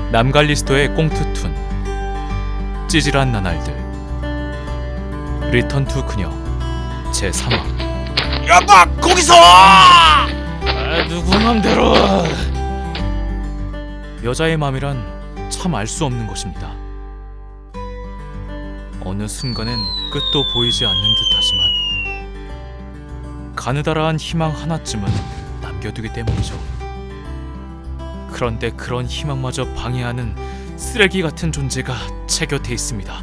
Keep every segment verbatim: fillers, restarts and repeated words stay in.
남갈리스토의 꽁트툰, 찌질한 나날들, 리턴 투 그녀 제삼 화. 야마 거기서! 아, 누구 맘대로. 여자의 맘이란 참 알 수 없는 것입니다. 어느 순간엔 끝도 보이지 않는 듯하지만 가느다란 희망 하나쯤은 남겨두기 때문이죠. 그런데 그런 희망마저 방해하는 쓰레기 같은 존재가 제 곁에 있습니다.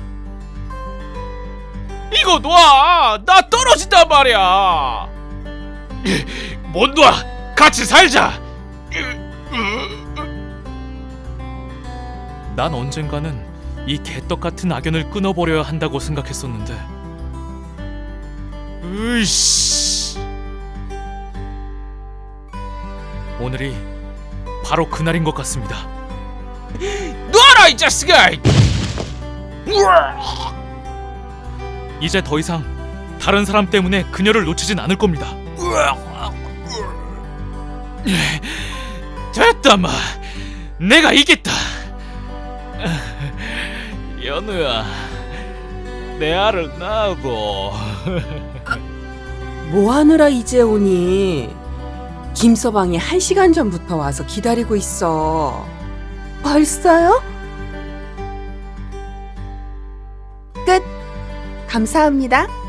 이거 놔! 나 떨어진단 말이야! 못 놔! 같이 살자! 난 언젠가는 이 개떡 같은 악연을 끊어버려야 한다고 생각했었는데, 으이씨, 오늘이 바로 그날인 것 같습니다. 놔라 이 자식아! 이제 더 이상 다른 사람 때문에 그녀를 놓치진 않을 겁니다. 됐다 마! 내가 이겼다! 연우야, 내 알을 낳고. 뭐 하느라 이제 오니? 김서방이 한 시간 전부터 와서 기다리고 있어. 벌써요? 끝. 감사합니다.